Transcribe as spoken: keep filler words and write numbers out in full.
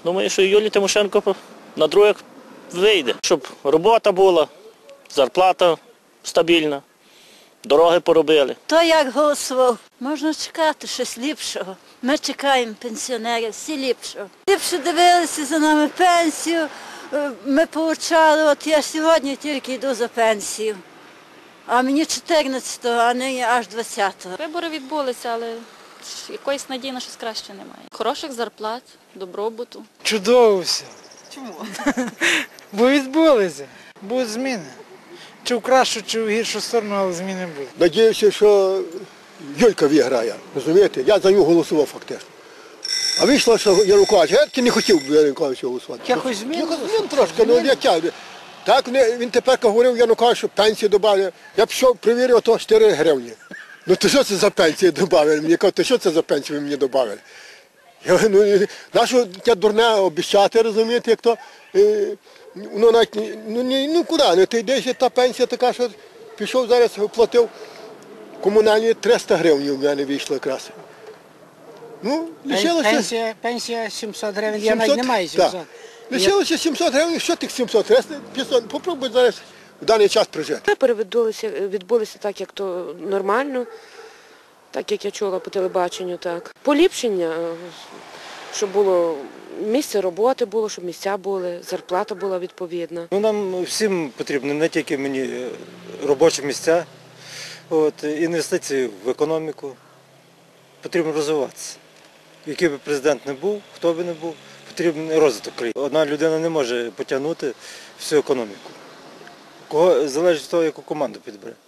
Думаю, що Юлії Тимошенко на других вийде, щоб робота була, зарплата стабільна, дороги поробили. Хто як голосував, можна чекати щось ліпшого. Ми чекаємо пенсіонерів, всі ліпшого. Ліпше дивилися за нами пенсію, ми отримали, от я сьогодні тільки йду за пенсію. А мені чотирнадцятого, а нині аж двадцятого. Вибори відбулися, але якоїсь надії на щось краще немає. Хороших зарплат, добробуту. Чудово все. Чому? Бо відбулися, будуть зміни. Чи в кращу, чи в гіршу сторону, але зміни будуть. Надіюся, що Юлька виграє, розумієте? Я за нього голосував фактично. А вийшло, що Янукович, я таки не хотів Януковича голосувати. Якось змін? Якось змін трошки, ну як я. Так він тепер говорив Янукович, що пенсію додали. Я пішов, перевірив, то чотири гривні. Ну то що це за пенсію додали? Мені кажуть, то що це за пенсію ви мені додали? Я, ну, нащо таке дурне обіцяти, розумієте, як то, е, ну, навіть, ну, ні, ну куди, ну, ти йдеш, та пенсія така, що пішов зараз, платив комунальні триста гривень у мене вийшло якраз. Ну, лишилося... Пенсія, пенсія сімсот гривень, я навіть не маю сімсот. Так. Лишилося сімсот гривень, що тих сімсот, триста, п'ятсот, попробуй зараз в даний час прожити. Вибори відбулися, відбулися так, як то нормально, так як я чула по телебаченню, так. Поліпшення, щоб було місце роботи було, щоб місця були, зарплата була відповідна. Ну, нам всім потрібно, не тільки мені, робочі місця, от, інвестиції в економіку. Потрібно розвиватися. Який би президент не був, хто би не був, потрібен розвиток країни. Одна людина не може потягнути всю економіку. Кого залежить від того, яку команду підбере.